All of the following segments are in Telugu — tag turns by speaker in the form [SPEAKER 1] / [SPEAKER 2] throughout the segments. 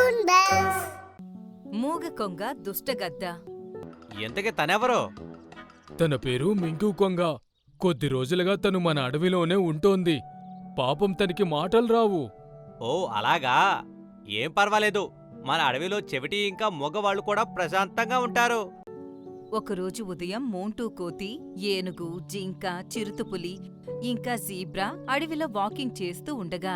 [SPEAKER 1] Toon bells.
[SPEAKER 2] మూగ కొంగ దుష్టగద్ద.
[SPEAKER 3] ఎంతకీ తనెవరో?
[SPEAKER 4] తన పేరు మింకు కొంగ. కొద్ది రోజులుగా తను మన అడవిలోనే ఉంటోంది. పాపం తనకి మాటలు రావు.
[SPEAKER 3] ఓ అలాగా, ఏం పర్వాలేదు. మన అడవిలో చెవిటి ఇంకా మగవాళ్ళు కూడా ప్రశాంతంగా ఉంటారు.
[SPEAKER 2] ఒకరోజు ఉదయం మోంటూ కోతి, ఏనుగు, జింక, చిరుతపులి ఇంకా జీబ్రా అడవిలో వాకింగ్ చేస్తూ ఉండగా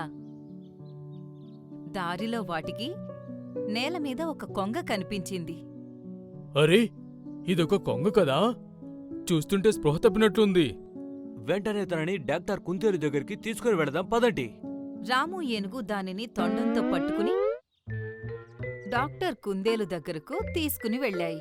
[SPEAKER 2] దారిలో వాటికి నేలమీద ఒక కొంగ కనిపించింది.
[SPEAKER 4] అరే, ఇదొక కొంగ కదా? చూస్తుంటే స్పృహ తప్పినట్లుంది.
[SPEAKER 3] వెంటనే తనని డాక్టర్ కుందేలు దగ్గరికి తీసుకుని వెళదాం పదండి.
[SPEAKER 2] రాము ఏనుగు దానిని తొండంతో పట్టుకుని డాక్టర్ కుందేలు దగ్గరకు తీసుకుని వెళ్ళాయి.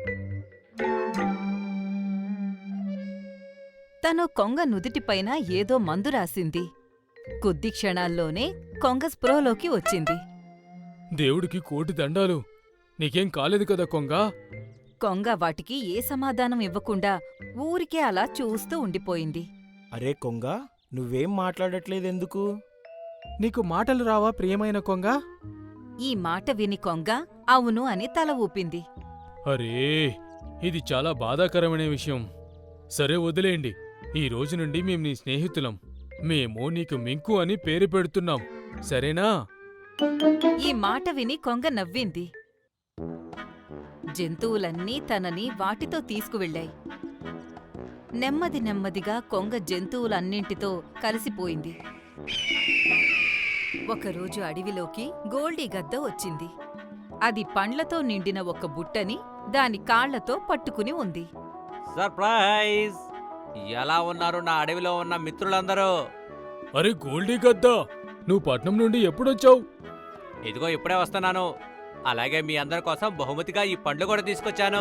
[SPEAKER 2] తను కొంగ నుదిటిపైన ఏదో మందు రాసింది. కొద్ది క్షణాల్లోనే కొంగ స్పృహలోకి వచ్చింది.
[SPEAKER 4] దేవుడికి కోటి దండాలు. నీకేం కాలేదు కదా కొంగ?
[SPEAKER 2] కొంగ వాటికి ఏ సమాధానం ఇవ్వకుండా ఊరికే అలా చూస్తూ ఉండిపోయింది.
[SPEAKER 5] అరే కొంగ, నువ్వేం మాట్లాడట్లేదెందుకు?
[SPEAKER 6] నీకు మాటలు రావా ప్రియమైన కొంగ?
[SPEAKER 2] ఈ మాట విని కొంగ అవును అని తల ఊపింది.
[SPEAKER 4] అరే, ఇది చాలా బాధాకరమైన విషయం. సరే వదిలేయండి. ఈ రోజు నుండి మేం నీ స్నేహితులం. మేము నీకు మింకు అని పేరు పెడుతున్నాం, సరేనా?
[SPEAKER 2] ఈ మాట విని కొంగ నవ్వింది. జంతువులన్నీ తనని వాటితో తీసుకువెళ్ళాయి. నెమ్మది నెమ్మదిగా కొంగ జంతువులన్నింటితో కలిసిపోయింది. ఒకరోజు అడవిలోకి గోల్డీ గద్ద వచ్చింది. అది పండ్లతో నిండిన ఒక బుట్టని దాని కాళ్లతో పట్టుకుని ఉంది.
[SPEAKER 3] సర్ప్రైజ్! ఎలా ఉన్నారు నా అడవిలో ఉన్న మిత్రులందరూ?
[SPEAKER 4] అరే గోల్డీ గద్దా, నువ్వు పట్నం నుండి ఎప్పుడొచ్చావు?
[SPEAKER 3] ఇదిగో ఇప్పుడే వస్తున్నాను. అలాగే మీ అందరి కోసం బహుమతిగా ఈ పండ్లు కూడా తీసుకొచ్చాను.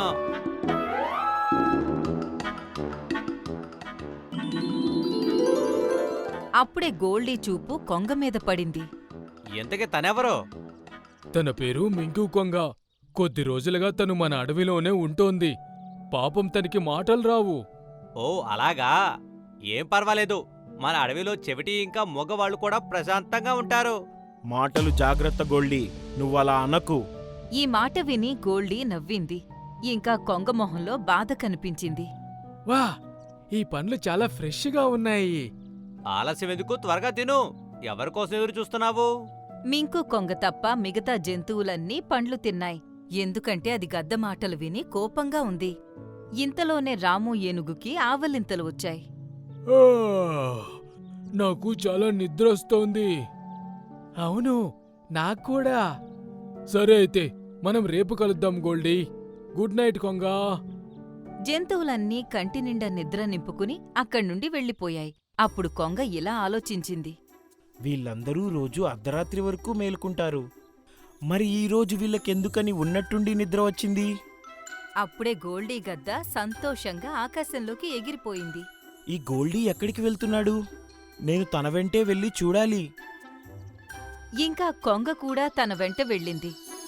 [SPEAKER 2] అప్పుడే గోల్డీ చూపు కొంగ మీద పడింది.
[SPEAKER 3] ఎంతకీ తనెవరో?
[SPEAKER 4] తన పేరు మింకు కొంగ. కొద్ది రోజులుగా తను మన అడవిలోనే ఉంటోంది. పాపం తనకి మాటలు రావు.
[SPEAKER 3] ఓ అలాగా, ఏం పర్వాలేదు. మన అడవిలో చెవిటి ఇంకా మగవాళ్ళు కూడా ప్రశాంతంగా ఉంటారు.
[SPEAKER 5] మాటలు జాగ్రత్త గోల్డీ, నువ్వలా అనకు.
[SPEAKER 2] ఈ మాట విని గోల్డీ నవ్వింది. ఇంకా కొంగ మొహంలో బాధ కనిపించింది.
[SPEAKER 6] వా, ఈ పండ్లు చాలా ఫ్రెష్గా ఉన్నాయి.
[SPEAKER 3] ఆలస్యం ఎందుకు, త్వరగా తిను. ఎవరికోసం ఎదురు చూస్తున్నావు?
[SPEAKER 2] మింకు కొంగ తప్ప మిగతా జంతువులన్నీ పండ్లు తిన్నాయి. ఎందుకంటే అది గద్ద మాటలు విని కోపంగా ఉంది. ఇంతలోనే రాము ఏనుగుకి ఆవలింతలు వచ్చాయి.
[SPEAKER 4] ఆ, నాకు చాలా నిద్రొస్తోంది.
[SPEAKER 6] అవును, నాక్కూడా.
[SPEAKER 4] సరే అయితే మనం రేపు కలుద్దాం గోల్డీ. Good night కొంగా.
[SPEAKER 2] జంతువులన్నీ కంటినిండా నిద్ర నింపుకుని అక్కడ్నుండి వెళ్ళిపోయాయి. అప్పుడు కొంగ ఇలా ఆలోచించింది.
[SPEAKER 5] వీళ్ళందరూ రోజు అర్ధరాత్రి వరకు మేలుకుంటారు. మరి ఈ రోజు వీళ్ళకెందుకని ఉన్నట్టుండి నిద్ర వచ్చింది?
[SPEAKER 2] అప్పుడే గోల్డీ గద్ద సంతోషంగా ఆకాశంలోకి ఎగిరిపోయింది.
[SPEAKER 5] ఈ గోల్డీ ఎక్కడికి వెళ్తున్నాడు? నేను తన వెంటే వెళ్ళి చూడాలి.
[SPEAKER 2] ఇంకా కొంగ కూడా తన వెంట వెళ్ళింది.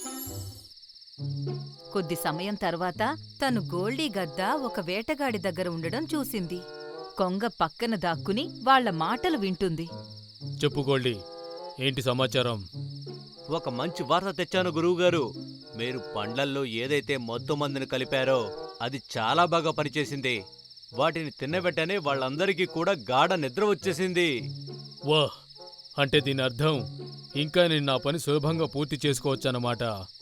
[SPEAKER 2] కొద్ది సమయం తర్వాత తను గోల్డీ గద్ద ఒక వేటగాడి దగ్గర ఉండడం చూసింది. కొంగ పక్కన దాక్కుని వాళ్ల మాటలు వింటుంది.
[SPEAKER 4] చెప్పు గోల్డీ, ఏంటి సమాచారం?
[SPEAKER 3] ఒక మంచి వార్త తెచ్చాను గురువుగారు. మీరు పండ్లల్లో ఏదైతే మత్తు మందుని కలిపారో అది చాలా బాగా పనిచేసింది. వాటిని తిన్న వెంటనే వాళ్ళందరికీ కూడా గాఢ నిద్ర వచ్చేసింది.
[SPEAKER 4] వాహ్, అంటే దీని అర్థం ఇంకా నేను నా పని సులభంగా పూర్తి చేసుకోవచ్చన్నమాట.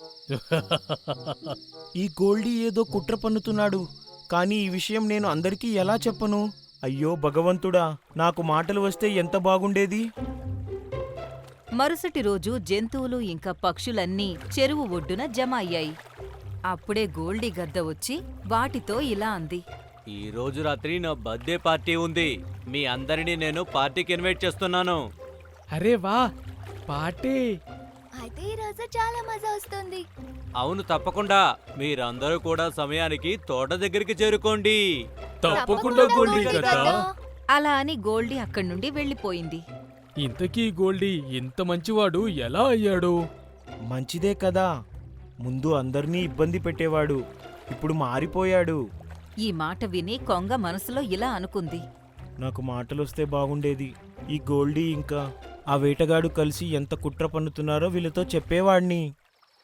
[SPEAKER 5] ఈ గోల్డీ ఏదో కుట్ర పన్నుతున్నాడు. కానీ ఈ విషయం నేను అందరికీ ఎలా చెప్పను? అయ్యో భగవంతుడా, నాకు మాటలు వస్తే ఎంత బాగుండేది.
[SPEAKER 2] మరుసటి రోజు జంతువులు ఇంకా పక్షులన్నీ చెరువు ఒడ్డున జమ అయ్యాయి. అప్పుడే గోల్డీ గద్ద వచ్చి వాటితో ఇలా అంది.
[SPEAKER 3] ఈ రోజు రాత్రి నా బర్త్డే పార్టీ ఉంది. మీ అందరినీ నేను పార్టీకి ఇన్వైట్ చేస్తున్నాను.
[SPEAKER 6] అరే వా, పార్టీ!
[SPEAKER 1] అయితే ఈ రోజు చాలా మజా వస్తుంది.
[SPEAKER 3] అవును, తప్పకుండా. మీరందరూ కూడా సమయానికి తోట దగ్గరికి చేరుకోండి.
[SPEAKER 4] తప్పకుండా గోల్డీ గద్దా.
[SPEAKER 2] అలా అని గోల్డీ అక్కడ్నుండి వెళ్ళిపోయింది.
[SPEAKER 4] ఇంతకీ గోల్డీ ఇంత మంచివాడు ఎలా అయ్యాడు?
[SPEAKER 5] మంచిదే కదా, ముందు అందర్నీ ఇబ్బంది పెట్టేవాడు, ఇప్పుడు మారిపోయాడు.
[SPEAKER 2] ఈ మాట విని కొంగ మనసులో ఇలా అనుకుంది.
[SPEAKER 5] నాకు మాటలొస్తే బాగుండేది. ఈ గోల్డీ ఇంకా ఆ వేటగాడు కలిసి ఎంత కుట్ర పన్నుతున్నారో వీళ్ళతో చెప్పేవాణ్ణి.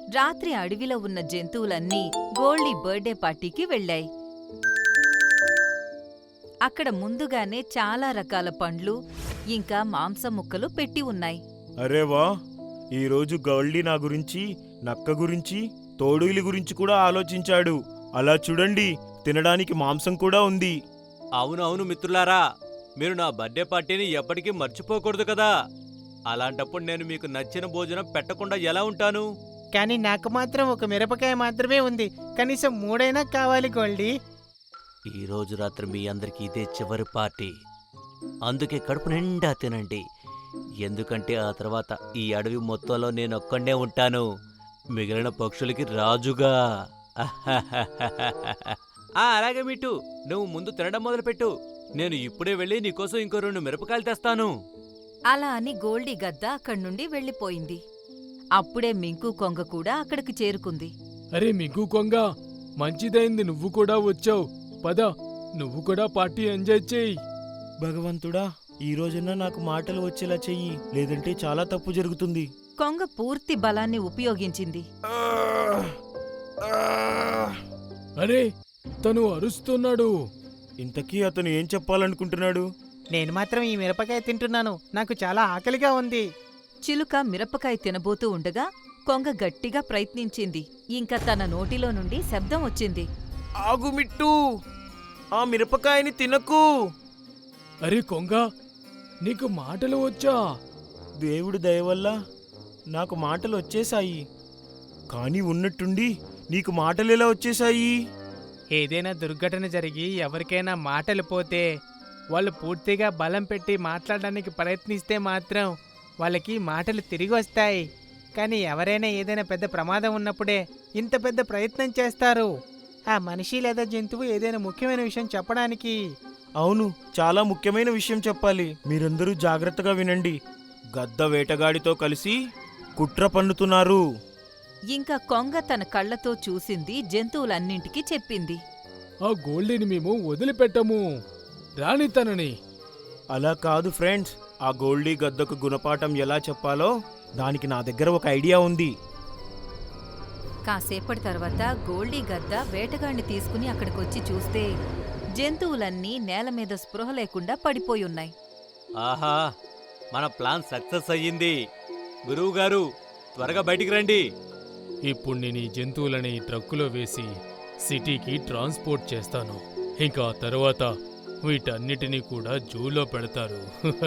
[SPEAKER 2] రాత్రి అడవిలో ఉన్న జంతువులన్నీ గోల్డీ బర్త్డే పార్టీకి వెళ్ళాయి. అక్కడ ముందుగానే చాలా రకాల పండ్లు ఇంకా మాంసం ముక్కలు పెట్టి ఉన్నాయి.
[SPEAKER 5] అరే వా, ఈరోజు గౌల్డీ నా గురించి, నక్క గురించి, తోడుగిలి గురించి కూడా ఆలోచించాడు. అలా చూడండి, తినడానికి మాంసం కూడా ఉంది.
[SPEAKER 3] అవునవును మిత్రులారా, మీరు నా బర్త్డే పార్టీని ఎప్పటికీ మర్చిపోకూడదు కదా. అలాంటప్పుడు నేను మీకు నచ్చిన భోజనం పెట్టకుండా ఎలా ఉంటాను?
[SPEAKER 7] కానీ నాకు మాత్రం ఒక మిరపకాయ మాత్రమే ఉంది. కనీసం 3 కావాలి గోల్డీ.
[SPEAKER 3] ఈ రోజు రాత్రి మీ అందరికీ ఇదే చివరి పార్టీ. అందుకే కడుపు నిండా తినండి. ఎందుకంటే ఆ తర్వాత ఈ అడవి మొత్తంలో నేను ఒక్కడే ఉంటాను, మిగిలిన పక్షులకి రాజుగా. అలాగే మిట్టు, నువ్వు ముందు తినడం మొదలుపెట్టు. నేను ఇప్పుడే వెళ్ళి నీకోసం ఇంకో 2 మిరపకాయలు తెస్తాను.
[SPEAKER 2] అలా అని గోల్డీ గద్ద అక్కడ్నుండి వెళ్ళిపోయింది. అప్పుడే మింకు కొంగ కూడా అక్కడికి చేరుకుంది.
[SPEAKER 4] అరే మిగ్గు కొంగ, మంచిదైంది నువ్వు కూడా వచ్చావు. పద, నువ్వు కూడా పార్టీ ఎంజాయ్ చేయి.
[SPEAKER 5] భగవంతుడా, ఈ రోజున నాకు మాటలు వచ్చేలా చెయ్యి, లేదంటే చాలా తప్పు జరుగుతుంది.
[SPEAKER 2] కొంగ పూర్తి బలాన్ని ఉపయోగించింది.
[SPEAKER 4] అరే, తను అరుస్తున్నాడు.
[SPEAKER 5] ఇంతకీ అతను ఏం చెప్పాలనుకుంటున్నాడు?
[SPEAKER 7] నేను మాత్రం ఈ మిరపకాయ తింటున్నాను. నాకు చాలా ఆకలిగా ఉంది.
[SPEAKER 2] చిలుక మిరపకాయ తినబోతూ ఉండగా కొంగ గట్టిగా ప్రయత్నించింది. ఇంకా తన నోటిలో నుండి శబ్దం వచ్చింది.
[SPEAKER 5] ఆగు మిట్టు, ఆ మిరపకాయని తినకు.
[SPEAKER 4] అరే కొంగ, నీకు మాటలు వచ్చా?
[SPEAKER 5] దేవుడి దయ వల్ల నాకు మాటలు వచ్చేశాయి. కానీ ఉన్నట్టుండి నీకు మాటలెలా వచ్చేశాయి?
[SPEAKER 7] ఏదైనా దుర్ఘటన జరిగి ఎవరికైనా మాటలు పోతే వాళ్ళు పూర్తిగా బలం పెట్టి మాట్లాడడానికి ప్రయత్నిస్తే మాత్రం వాళ్ళకి మాటలు తిరిగి వస్తాయి. కానీ ఎవరైనా ఏదైనా పెద్ద ప్రమాదం ఉన్నప్పుడే ఇంత పెద్ద ప్రయత్నం చేస్తారు. ఆ మనిషి లేదా జంతువు ఏదైనా ముఖ్యమైన విషయం చెప్పడానికి.
[SPEAKER 5] అవును, చాలా ముఖ్యమైన విషయం చెప్పాలి. మీరందరూ జాగ్రత్తగా వినండి. గద్ద వేటగాడితో కలిసి కుట్ర పన్నుతున్నారు.
[SPEAKER 2] ఇంకా కొంగ తన కళ్ళతో చూసింది జంతువులన్నింటికీ చెప్పింది.
[SPEAKER 4] ఆ గోల్డీని మేము వదిలిపెట్టము, రాని తనని.
[SPEAKER 5] అలా కాదు ఫ్రెండ్స్, ఆ గోల్డీ గద్దకు గుణపాఠం ఎలా చెప్పాలో దానికి నా దగ్గర ఒక ఐడియా ఉంది.
[SPEAKER 2] కాసేపటి తర్వాత గోల్డీ గద్ద వేటగాణ్ణి తీసుకుని అక్కడికొచ్చి చూస్తే జంతువులన్నీ నేల మీద స్పృహ లేకుండా పడిపోయున్నాయి.
[SPEAKER 3] ఆహా, మన ప్లాన్ సక్సెస్ అయ్యింది. గురువుగారు, త్వరగా బయటికి రండి.
[SPEAKER 4] ఇప్పుడు నేను ఈ జంతువులని ట్రక్కులో వేసి సిటీకి ట్రాన్స్పోర్ట్ చేస్తాను. ఇంకా ఆ తర్వాత వీటన్నిటినీ కూడా జూలో పెడతారు.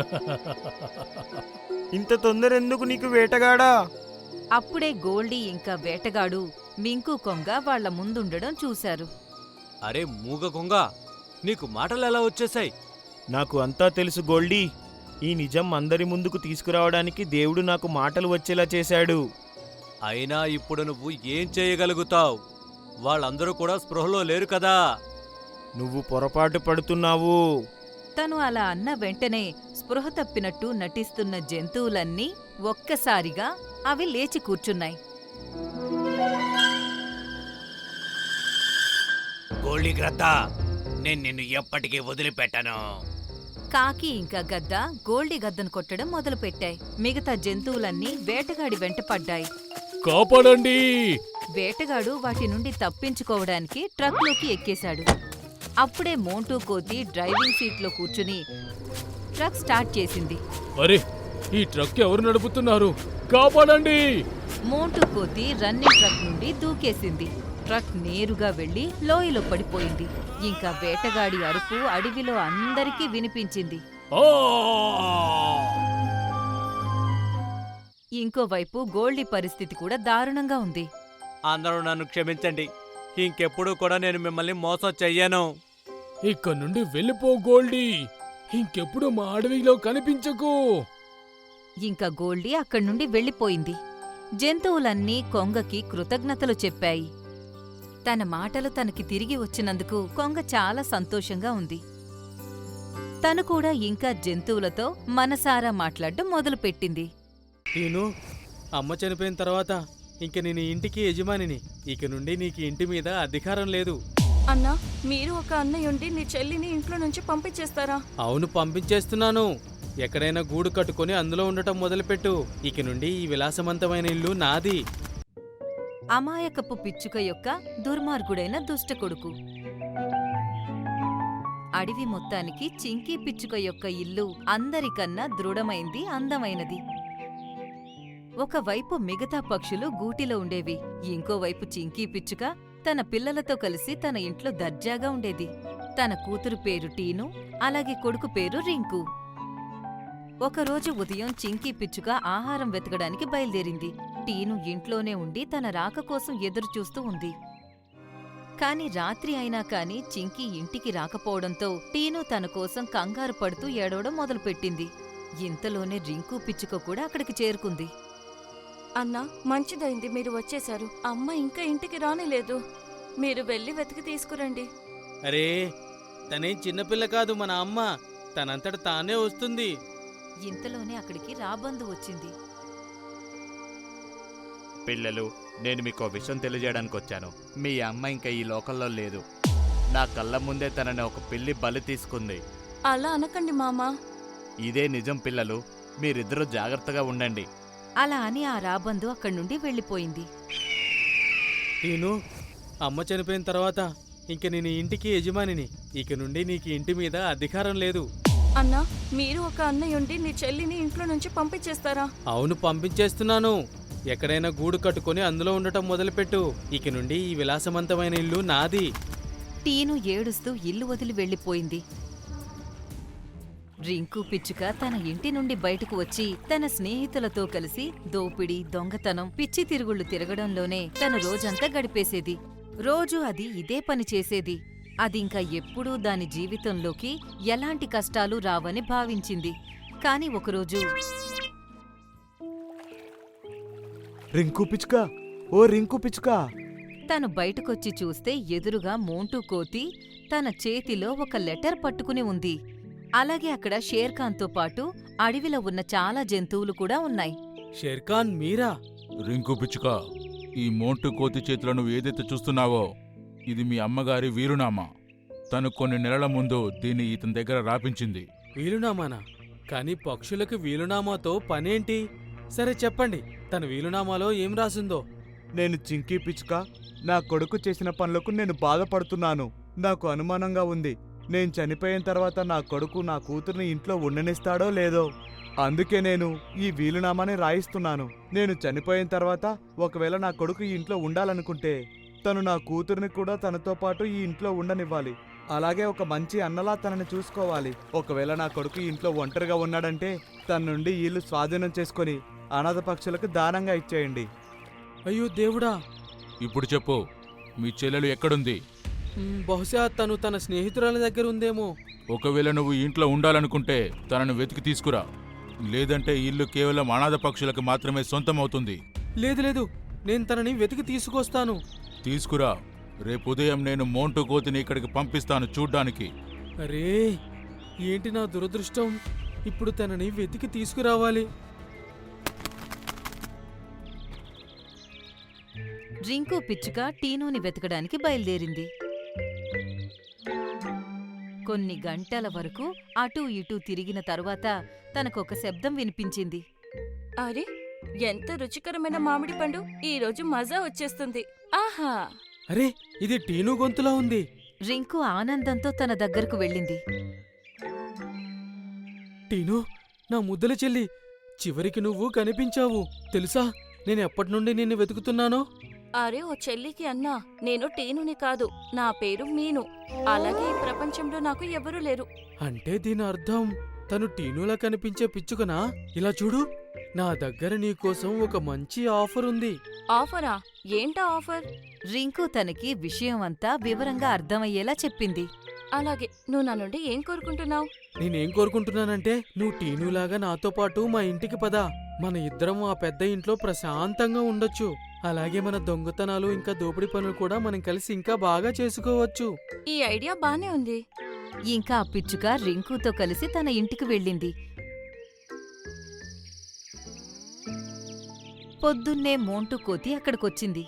[SPEAKER 5] ఇంత తొందర ఎందుకు నీకు వేటగాడా?
[SPEAKER 2] అప్పుడే గోల్డీ ఇంకా వేటగాడు మింకు కొంగ వాళ్ల ముందుండడం చూశారు.
[SPEAKER 3] అరే మూగ కొంగ, నీకు మాటలు ఎలా వచ్చేశాయి?
[SPEAKER 5] నాకు అంతా తెలుసు గోల్డీ. ఈ నిజం అందరి ముందుకు తీసుకురావడానికి దేవుడు నాకు మాటలు వచ్చేలా చేశాడు.
[SPEAKER 3] అయినా ఇప్పుడు నువ్వు ఏం చేయగలుగుతావు? వాళ్ళందరూ కూడా స్పృహలో లేరు కదా.
[SPEAKER 5] నువ్వు పొరపాటు పడుతున్నావు.
[SPEAKER 2] తను అలా అన్న వెంటనే స్పృహ తప్పినట్టు నటిస్తున్న జంతువులన్నీ ఒక్కసారిగా అవి లేచి కూర్చున్నాయి.
[SPEAKER 3] గోల్డీ గ్రద్ద, నేను నిన్ను ఎప్పటికీ వదిలిపెట్టను.
[SPEAKER 2] కాకి ఇంకా గద్ద గోల్డీ గద్దను కొట్టడం మొదలుపెట్టాయి. మిగతా జంతువులన్నీ వేటగాడి వెంట పడ్డాయి.
[SPEAKER 4] కాపాడండి!
[SPEAKER 2] వేటగాడు వాటి నుండి తప్పించుకోవడానికి ట్రక్లోకి ఎక్కేశాడు. అప్పుడే మోంటూ కోతి డ్రైవింగ్ సీట్లో కూర్చుని ట్రక్ స్టార్ట్ చేసింది.
[SPEAKER 4] అరే, ఈ ట్రక్ ఎవరు నడుపుతున్నారు? కాపాడండి!
[SPEAKER 2] మోంటూ కోతి రన్నింగ్ ట్రక్ నుండి దూకేసింది. ట్రక్ నేరుగా వెళ్లి లోయలో పడిపోయింది. ఇంకా వేటగాడి అరుపు అడవిలో అందరికీ వినిపించింది.
[SPEAKER 4] ఆ!
[SPEAKER 2] ఇంకోవైపు గోల్డీ పరిస్థితి కూడా దారుణంగా ఉంది.
[SPEAKER 3] అందరూ నన్ను క్షమించండి. ఇంకెప్పుడు కూడా నేను మిమ్మల్ని మోసం చెయ్యను.
[SPEAKER 4] ఇక్కడ నుండి వెళ్ళిపో గోల్డీ, ఇంకెప్పుడు మా అడవిలో కనిపించకు.
[SPEAKER 2] ఇంకా గోల్డీ అక్కడి నుండి వెళ్ళిపోయింది. జంతువులన్నీ కొంగకి కృతజ్ఞతలు చెప్పాయి. తన మాటలు తనకి తిరిగి వచ్చినందుకు కొంగ చాలా సంతోషంగా ఉంది. తను కూడా ఇంకా జంతువులతో మనసారా మాట్లాడడం మొదలుపెట్టింది.
[SPEAKER 7] నేను అమ్మ చనిపోయిన తర్వాత ఇంక నేను ఇంటికి యజమానిని. ఇక నుండి నీకు ఇంటి మీద అధికారం లేదు.
[SPEAKER 8] అన్నా, మీరు ఒక అన్నయ్య ఉండి నీ చెల్లిని ఇంట్లో నుంచి పంపించేస్తారా?
[SPEAKER 7] అవును, పంపించేస్తున్నాను. ఎక్కడైనా గూడు కట్టుకొని అందులో ఉండటం మొదలుపెట్టు. ఇక నుండి ఈ విలాసవంతమైన ఇల్లు నాది.
[SPEAKER 2] అమాయకపు పిచ్చుక యొక్క దుర్మార్గుడైన దుష్టకొడుకు. అడవి మొత్తానికి చింకీ పిచ్చుక యొక్క ఇల్లు అందరికన్నా దృఢమైంది, అందమైనది. ఒకవైపు మిగతా పక్షులు గూటిలో ఉండేవి, ఇంకోవైపు చింకీ పిచ్చుక తన పిల్లలతో కలిసి తన ఇంట్లో దర్జాగా ఉండేది. తన కూతురు పేరు టీను, అలాగే కొడుకు పేరు రింకు. ఒకరోజు ఉదయం చింకీ పిచ్చుక ఆహారం వెతకడానికి బయలుదేరింది. టీను ఇంట్లోనే ఉండి తన రాక కోసం ఎదురుచూస్తూ ఉంది. కాని రాత్రి అయినా కాని చింకీ ఇంటికి రాకపోవడంతో టీను తన కోసం కంగారు పడుతూ ఏడవడం మొదలుపెట్టింది. ఇంతలోనే రింకు పిచ్చుక కూడా అక్కడికి చేరుకుంది.
[SPEAKER 8] అన్నా, మంచిదైంది మీరు వచ్చేశారు. అమ్మ ఇంకా ఇంటికి రానేలేదు. మీరు వెళ్ళి వెతికి తీసుకురండి.
[SPEAKER 7] అరే, తనేం చిన్నపిల్ల కాదు, మన అమ్మ. తనంతట తానే వస్తుంది.
[SPEAKER 2] ఇంతలోనే అక్కడికి రాబందు వచ్చింది.
[SPEAKER 9] పిల్లలు, నేను మీకు విషయం తెలియజేయడానికి వచ్చాను. మీ అమ్మ ఇంకా ఈ లోకంలో లేదు. నా కళ్ళ ముందే తనని ఒక పిల్లి బలి తీసుకుంది.
[SPEAKER 8] అలా అనకండి మామా.
[SPEAKER 9] ఇదే నిజం పిల్లలు, మీరిద్దరూ జాగ్రత్తగా ఉండండి.
[SPEAKER 2] అలా అని ఆ రాబందు అక్కడి నుండి వెళ్ళిపోయింది.
[SPEAKER 7] టీను, అమ్మ చనిపోయిన తర్వాత ఇంక నేను ఈ ఇంటికి యజమానిని. ఇక నుండి నీకు ఇంటి మీద అధికారం లేదు.
[SPEAKER 8] అన్నా, మీరు ఒక అన్నయ్యుండి నీ చెల్లిని ఇంట్లో నుంచి పంపించేస్తారా?
[SPEAKER 7] అవును, పంపించేస్తున్నాను. ఎక్కడైనా గూడు కట్టుకొని అందులో ఉండటం మొదలుపెట్టు. ఇక నుండి ఈ విలాసవంతమైన ఇల్లు నాది.
[SPEAKER 2] టీను ఏడుస్తూ ఇల్లు వదిలి వెళ్ళిపోయింది. రింకు పిచ్చుక తన ఇంటి నుండి బయటకు వచ్చి తన స్నేహితులతో కలిసి దోపిడీ, దొంగతనం, పిచ్చి తిరుగుళ్ళు తిరగడంలోనే తన రోజంతా గడిపేసేది. రోజూ అది ఇదే పని చేసేది. అదింకా ఎప్పుడూ దాని జీవితంలోకి ఎలాంటి కష్టాలు రావని భావించింది. కాని ఒకరోజు
[SPEAKER 5] రింకు పిచ్చుక, ఓ రింకు పిచ్చుక,
[SPEAKER 2] తను బయటకొచ్చి చూస్తే ఎదురుగా మోంటూ కోతి తన చేతిలో ఒక లెటర్ పట్టుకుని ఉంది. అలాగే అక్కడ షేర్ఖాన్తో పాటు అడవిలో ఉన్న చాలా జంతువులు కూడా ఉన్నాయి.
[SPEAKER 7] షేర్ఖాన్ మీరా?
[SPEAKER 10] రింకు పిచ్చుక, ఈ మోంటు కోతి చేతిలో నువ్వు ఏదైతే చూస్తున్నావో ఇది మీ అమ్మగారి వీలునామా. తను కొన్ని నెలల ముందు దీన్ని ఇతని దగ్గర రాపించింది.
[SPEAKER 7] వీలునామానా? కాని పక్షులకు వీలునామాతో పనేంటి? సరే చెప్పండి, తన వీలునామాలో ఏం రాసిందో.
[SPEAKER 5] నేను చింకీ పిచ్చుక, నా కొడుకు చేసిన పనులకు నేను బాధపడుతున్నాను. నాకు అనుమానంగా ఉంది. నేను చనిపోయిన తర్వాత నా కొడుకు నా కూతుర్ని ఇంట్లో ఉండనిస్తాడో లేదో. అందుకే నేను ఈ వీలునామాని రాయిస్తున్నాను. నేను చనిపోయిన తర్వాత ఒకవేళ నా కొడుకు ఈ ఇంట్లో ఉండాలనుకుంటే తను నా కూతుర్ని కూడా తనతో పాటు ఈ ఇంట్లో ఉండనివ్వాలి. అలాగే ఒక మంచి అన్నలా తనని చూసుకోవాలి. ఒకవేళ నా కొడుకు ఈ ఇంట్లో ఒంటరిగా ఉన్నాడంటే తన నుండి ఈ ఇల్లు స్వాధీనం చేసుకొని అనాథ పక్షులకు దానంగా ఇచ్చేయండి.
[SPEAKER 7] అయ్యో దేవుడా!
[SPEAKER 10] ఇప్పుడు చెప్పు, మీ చెల్లెలు ఎక్కడుంది?
[SPEAKER 7] బహుశా తను తన స్నేహితురాల దగ్గర ఉందేమో.
[SPEAKER 10] ఒకవేళ నువ్వు ఈ ఇంట్లో ఉండాలనుకుంటే తనను వెతికి తీసుకురా. లేదంటే ఈ ఇల్లు కేవలం అనాథ పక్షులకు మాత్రమే సొంతమవుతుంది.
[SPEAKER 7] లేదు లేదు, నేను తనని వెతికి తీసుకొస్తాను.
[SPEAKER 10] తీసుకురా. రేపు ఉదయం నేను మోంటు కోతిని ఇక్కడికి పంపిస్తాను చూడ్డానికి.
[SPEAKER 7] అరే, ఏంటి నా దురదృష్టం! ఇప్పుడు తనని వెతికి తీసుకురావాలి.
[SPEAKER 2] రింకు పిచ్చుక టీనుని వెతకడానికి బయలుదేరింది. కొన్ని గంటల వరకు అటూ ఇటూ తిరిగిన తరువాత తనకొక శబ్దం వినిపించింది.
[SPEAKER 8] అరే, ఎంత రుచికరమైన మామిడి పండు! ఈ రోజు మజా వచ్చేస్తుంది. ఆహా!
[SPEAKER 7] అరే, ఇది టీను గొంతులా ఉంది.
[SPEAKER 2] రింకు ఆనందంతో తన దగ్గరకు వెళ్ళింది.
[SPEAKER 7] టీను, నా ముద్దల చెల్లి, చివరికి నువ్వు కనిపించావు. తెలుసా, నేను ఎప్పటినుండి నిన్ను వెతుకుతున్నానో?
[SPEAKER 8] అరే ఓ చెల్లికి అన్నా, నేను టీనుని కాదు, నా పేరు మీను. అలాగే ఈ ప్రపంచంలో నాకు ఎవరూ లేరు.
[SPEAKER 7] అంటే దీని అర్థం తను టీనులా కనిపించే పిచ్చుకనా? ఇలా చూడు, నా దగ్గర నీకోసం ఒక మంచి ఆఫర్ ఉంది.
[SPEAKER 8] ఆఫరా? ఏంటా ఆఫర్?
[SPEAKER 2] రింకు తనకి విషయం అంతా వివరంగా అర్థమయ్యేలా చెప్పింది.
[SPEAKER 8] అలాగే, నువ్వు నా నుండి ఏం కోరుకుంటున్నావు?
[SPEAKER 7] నేనేం కోరుకుంటున్నానంటే, నువ్వు టీనులాగా నాతో పాటు మా ఇంటికి పద. మన ఇద్దరం ఆ పెద్ద ఇంట్లో ప్రశాంతంగా ఉండొచ్చు. అలాగే మన దొంగతనాలు ఇంకా దోపిడీ పనులు కూడా మనం కలిసి ఇంకా బాగా చేసుకోవచ్చు.
[SPEAKER 8] ఈ ఐడియా బానే ఉంది.
[SPEAKER 2] ఇంకా ఆ పిచ్చుక రింకుతో కలిసి తన ఇంటికి వెళ్ళింది. పొద్దున్నే మోంటు కోతి అక్కడికొచ్చింది.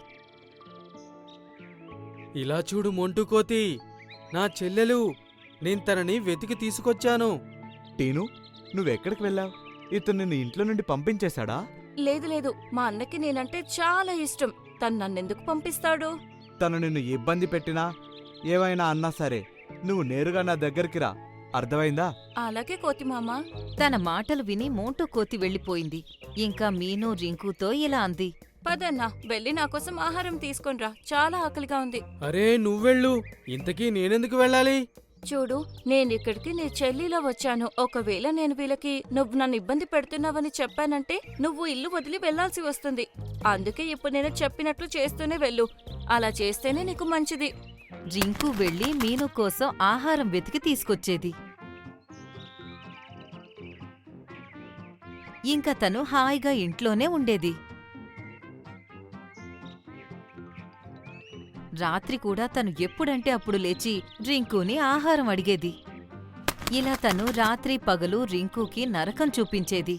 [SPEAKER 7] ఇలా చూడు మోంటు కోతి, నా చెల్లెలు. నేను తనని వెతికి తీసుకొచ్చాను.
[SPEAKER 5] టీను, నువ్వెక్కడికి వెళ్ళావు? ఇతను నిన్ను ఇంట్లో నుండి పంపించేశాడా?
[SPEAKER 8] లేదు లేదు, మా అన్నకి నేనంటే చాలా ఇష్టం. తను నన్నెందుకు పంపిస్తాడు?
[SPEAKER 5] తను నిన్ను ఇబ్బంది పెట్టినా ఏమైనా అన్నా సరే నువ్వు నేరుగా నా దగ్గరికి రా, అర్థమైందా?
[SPEAKER 8] అలాగే కోతిమామ.
[SPEAKER 2] తన మాటలు విని మోంటూ కోతి వెళ్ళిపోయింది. ఇంకా మీను రింకుతో ఇలా అంది.
[SPEAKER 8] పదన్నా, వెళ్ళి నా కోసం ఆహారం తీసుకొనిరా, చాలా ఆకలిగా ఉంది.
[SPEAKER 6] అరే నువ్వెళ్ళు, ఇంతకీ నేనెందుకు వెళ్ళాలి?
[SPEAKER 8] చూడు, నేనిక్కడికి నీ చెల్లిలో వచ్చాను. ఒకవేళ నేను వీళ్ళకి నువ్వు నన్ను ఇబ్బంది పెడుతున్నావని చెప్పానంటే నువ్వు ఇల్లు వదిలి వెళ్లాల్సి వస్తుంది. అందుకే ఇప్పుడు నేను చెప్పినట్లు చేస్తూనే వెళ్ళు. అలా చేస్తేనే నీకు మంచిది.
[SPEAKER 2] రింకు వెళ్లి మీను కోసం ఆహారం వెతికి తీసుకొచ్చేది. ఇంకా తను హాయిగా ఇంట్లోనే ఉండేది. రాత్రి కూడా తను ఎప్పుడంటే అప్పుడు లేచి రింకుని ఆహారం అడిగేది. ఇలా తను రాత్రి పగలు రింకుకి నరకం చూపించేది.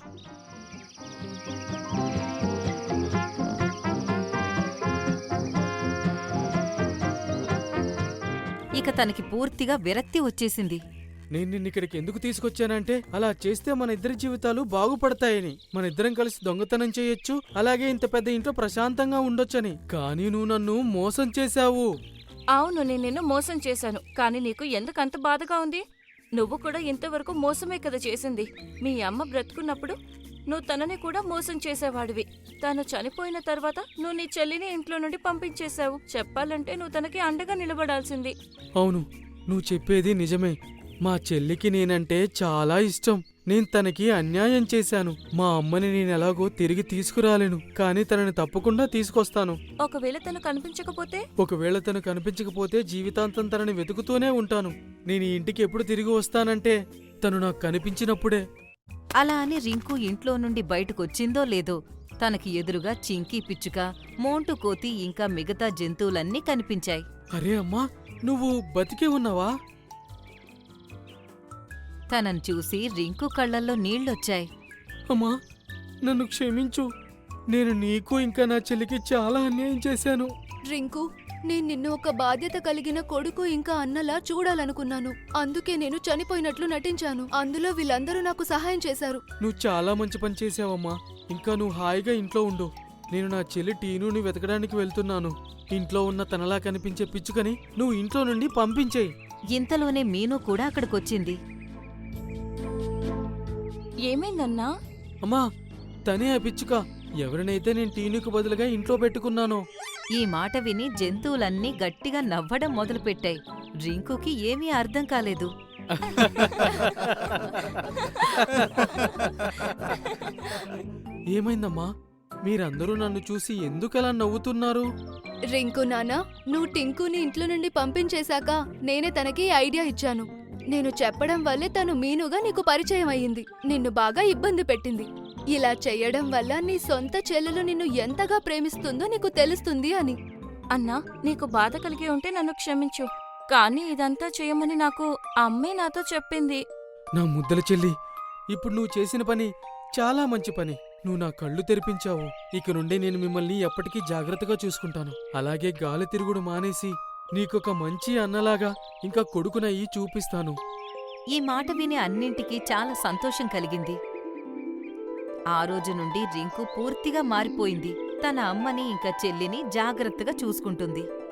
[SPEAKER 2] ఇక తనకి పూర్తిగా విరక్తి వచ్చేసింది.
[SPEAKER 6] నేను నిన్నిక్కడికి ఎందుకు తీసుకొచ్చానంటే అలా చేస్తే మన ఇద్దరి జీవితాలు బాగుపడతాయని. మన ఇద్దరం కలిసి దొంగతనం చేయొచ్చు, అలాగే ఇంత పెద్ద ఇంట్లో ప్రశాంతంగా ఉండొచ్చని. కానీ నువ్వు నన్ను మోసం చేశావు.
[SPEAKER 8] అవును, నేను నిన్ను మోసం చేశాను. కానీ నీకు ఎందుకంత బాధగా ఉంది? నువ్వు కూడా ఇంతవరకు మోసమే కదా చేసింది. మీ అమ్మ బ్రతుకున్నప్పుడు నువ్వు తనని కూడా మోసం చేసేవాడివి. తను చనిపోయిన తర్వాత నువ్వు నీ చెల్లిని ఇంట్లో నుండి పంపించేశావు. చెప్పాలంటే నువ్వు తనకి అండగా నిలబడాల్సింది.
[SPEAKER 6] అవును, నువ్వు చెప్పేది నిజమే. మా చెల్లికి నేనంటే చాలా ఇష్టం. నేను తనకి అన్యాయం చేశాను. మా అమ్మని నేనెలాగో తిరిగి తీసుకురాలేను, కానీ తనని తప్పకుండా తీసుకొస్తాను.
[SPEAKER 8] ఒకవేళ తను కనిపించకపోతే?
[SPEAKER 6] ఒకవేళ తను కనిపించకపోతే జీవితాంతం తనని వెతుకుతూనే ఉంటాను. నేను ఈ ఇంటికి ఎప్పుడు తిరిగి వస్తానంటే తను నాకు కనిపించినప్పుడే.
[SPEAKER 2] అలా అని రింకు ఇంట్లో నుండి బయటకొచ్చిందో లేదో తనకి ఎదురుగా చింకీ పిచ్చుక, మోంటు కోతి ఇంకా మిగతా జంతువులన్నీ కనిపించాయి.
[SPEAKER 6] అరే అమ్మా, నువ్వు బతికే ఉన్నావా?
[SPEAKER 2] తనని చూసి రింకు కళ్ళల్లో నీళ్లొచ్చాయి.
[SPEAKER 6] అమ్మా, నన్ను క్షమించు. నేను నీకు ఇంకా నా చెల్లికి చాలా అన్యాయం చేశాను.
[SPEAKER 1] రింకు, నేను నిన్ను ఒక బాధ్యత కలిగిన కొడుకు ఇంకా అన్నలా చూడాలనుకున్నాను. అందుకే నేను చనిపోయినట్లు నటించాను. అందులో వీళ్ళందరూ నాకు సహాయం చేశారు.
[SPEAKER 6] నువ్వు చాలా మంచి పని చేసావమ్మా. ఇంకా నువ్వు హాయిగా ఇంట్లో ఉండు. నేను నా చెల్లి టీనుని వెతకడానికి వెళ్తున్నాను. ఇంట్లో ఉన్న తనలా కనిపించే పిచ్చుకని నువ్వు ఇంట్లో నుండి పంపించేయి.
[SPEAKER 2] ఇంతలోనే మీను కూడా అక్కడికొచ్చింది.
[SPEAKER 8] ఏమైందన్నా?
[SPEAKER 6] అమ్మా, తనే ఆ పిచ్చుక. ఎవరినైతే నేను టీనుకు బదులుగా ఇంట్లో పెట్టుకున్నానో.
[SPEAKER 2] ఈ మాట విని జంతువులన్నీ గట్టిగా నవ్వడం మొదలుపెట్టాయి. రింకుకి ఏమీ అర్థం కాలేదు.
[SPEAKER 6] ఏమైందమ్మా? మీరందరూ నన్ను చూసి ఎందుకలా నవ్వుతున్నారు?
[SPEAKER 1] రింకు నానా, నువ్వు టింకుని ఇంట్లో నుండి పంపించేశాక నేనే తనకి ఐడియా ఇచ్చాను. నేను చెప్పడం వల్లే తను మీనుగా నీకు పరిచయం అయ్యింది. నిన్ను బాగా ఇబ్బంది పెట్టింది. ఇలా చెయ్యడం వల్ల నీ సొంత చెల్లెలు నిన్ను ఎంతగా ప్రేమిస్తుందో నీకు తెలుస్తుంది అని.
[SPEAKER 8] అన్నా, నీకు బాధ కలిగి ఉంటే నన్ను క్షమించు. కానీ ఇదంతా చేయమని నాకు అమ్మే నాతో చెప్పింది.
[SPEAKER 6] నా ముద్దల చెల్లి, ఇప్పుడు నువ్వు చేసిన పని చాలా మంచి పని. నువ్వు నా కళ్ళు తెరిపించావు. ఇక నుండి నేను మిమ్మల్ని ఎప్పటికీ జాగ్రత్తగా చూసుకుంటాను. అలాగే గాలి తిరుగుడు మానేసి నీకొక మంచి అన్నలాగా ఇంకా కొడుకునయ్యి చూపిస్తాను.
[SPEAKER 2] ఈ మాట విని అన్నింటికీ చాలా సంతోషం కలిగింది. ఆ రోజు నుండి రింకు పూర్తిగా మారిపోయింది. తన అమ్మని ఇంకా చెల్లిని జాగ్రత్తగా చూసుకుంటుంది.